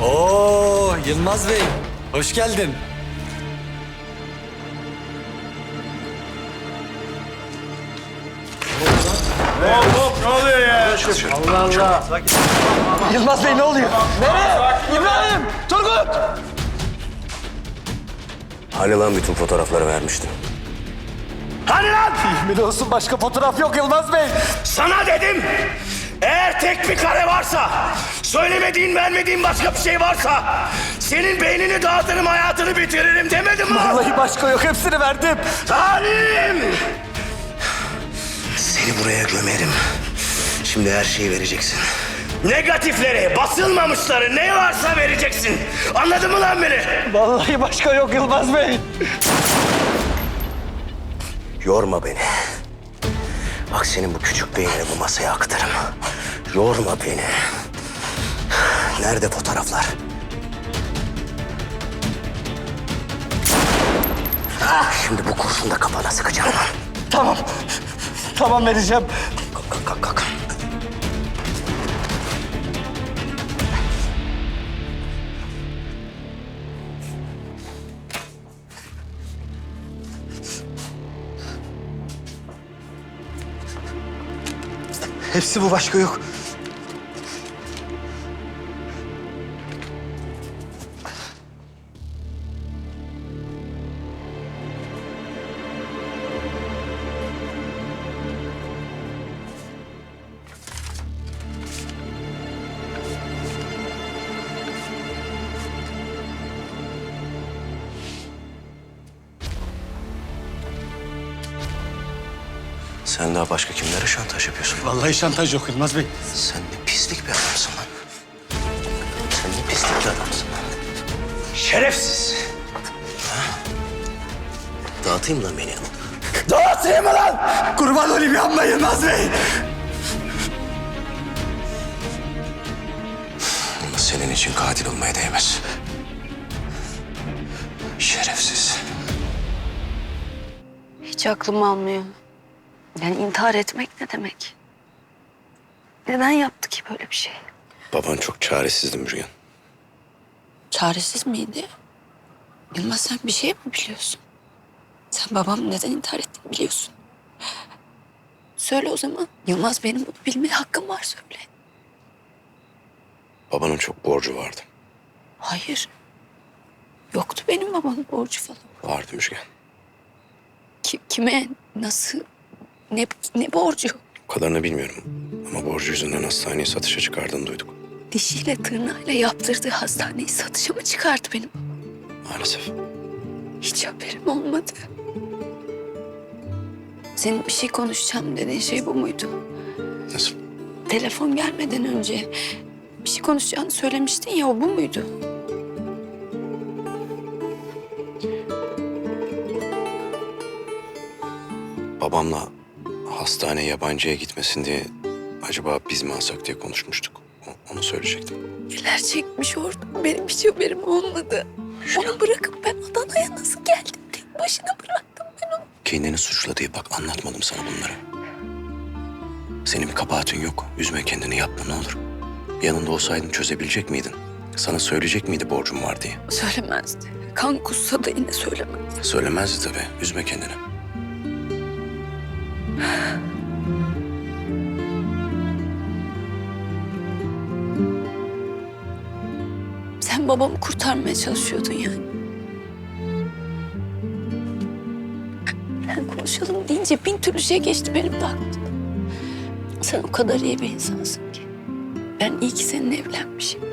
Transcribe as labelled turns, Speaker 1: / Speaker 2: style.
Speaker 1: Oo, Yılmaz Bey, hoş geldin.
Speaker 2: Hop ne oluyor ya?
Speaker 1: Allah Allah. Yılmaz Bey ne oluyor? Nereye? İbrahim, Turgut.
Speaker 3: Hani lan bütün fotoğrafları vermiştin?
Speaker 2: Hani lan?
Speaker 1: Yemin olsun başka fotoğraf yok Yılmaz Bey.
Speaker 2: Sana dedim. Eğer tek bir kare varsa, söylemediğin, vermediğin başka bir şey varsa senin beynini dağıtırım, hayatını bitiririm demedim mi?
Speaker 1: Vallahi başka yok, hepsini verdim.
Speaker 2: Talim! Seni buraya gömerim. Şimdi her şeyi vereceksin. Negatifleri, basılmamışları ne varsa vereceksin. Anladın mı lan beni?
Speaker 1: Vallahi başka yok Yılmaz Bey.
Speaker 3: Yorma beni. Bak senin bu küçük beynini bu masaya aktarım. Yorma beni. Nerede fotoğraflar? Şimdi bu kurşunu da kafana sıkacağım lan.
Speaker 1: Tamam. Tamam vereceğim.
Speaker 3: Kalk kalk kalk kalk.
Speaker 1: Hepsi bu, başka yok.
Speaker 3: Sen daha başka kimlere şantaj yapıyorsun?
Speaker 1: Vallahi şantaj yok Yılmaz Bey.
Speaker 3: Sen ne pislik bir adamsın lan. Sen ne pislik bir adamsın lan.
Speaker 2: Şerefsiz.
Speaker 3: Dağıtayım lan beni.
Speaker 2: Dağıtayım mı lan?
Speaker 1: Kurban olayım, yapma Yılmaz Bey.
Speaker 3: Ama senin için katil olmaya değmez. Şerefsiz.
Speaker 4: Hiç aklım almıyor. Yani intihar etmek ne demek? Neden yaptı ki böyle bir şey?
Speaker 3: Baban çok çaresizdi Müjgan.
Speaker 4: Çaresiz miydi? Yılmaz sen bir şey mi biliyorsun? Sen babam neden intihar ettiğini biliyorsun. Söyle o zaman. Yılmaz benim bunu bilmeye hakkım var söyle.
Speaker 3: Babanın çok borcu vardı.
Speaker 4: Hayır. Yoktu benim babamın borcu falan.
Speaker 3: Vardı Müjgan.
Speaker 4: Kime, nasıl, ne borcu?
Speaker 3: O kadarını bilmiyorum. Ama borcu yüzünden hastaneyi satışa çıkardığını duyduk.
Speaker 4: Dişiyle tırnağıyla yaptırdığı hastaneyi satışa mı çıkardı benim?
Speaker 3: Maalesef.
Speaker 4: Hiç haberim olmadı. Senin bir şey konuşacağım dediğin şey bu muydu?
Speaker 3: Nasıl?
Speaker 4: Telefon gelmeden önce bir şey konuşacağını söylemiştin ya, o bu muydu?
Speaker 3: Babamla hastaneye yabancıya gitmesin diye acaba biz mi alsak diye konuşmuştuk. Onu söyleyecektim.
Speaker 4: Neler çekmiş orada, benim hiç haberim olmadı. Onu bırakıp ben Adana'ya nasıl geldim? Tek başına bıraktım ben onu.
Speaker 3: Kendini suçla diye bak anlatmadım sana bunları. Senin bir kabahatin yok. Üzme kendini, yapma ne olur. Yanında olsaydın çözebilecek miydin? Sana söyleyecek miydi borcum var diye?
Speaker 4: Söylemezdi. Kan kussa da yine söylemezdi.
Speaker 3: Söylemezdi tabii. Üzme kendini.
Speaker 4: Sen babamı kurtarmaya çalışıyordun yani. Ben konuşalım deyince bin türlü şey geçti benim de aklımdan. Sen o kadar iyi bir insansın ki. Ben iyi ki seninle evlenmişim.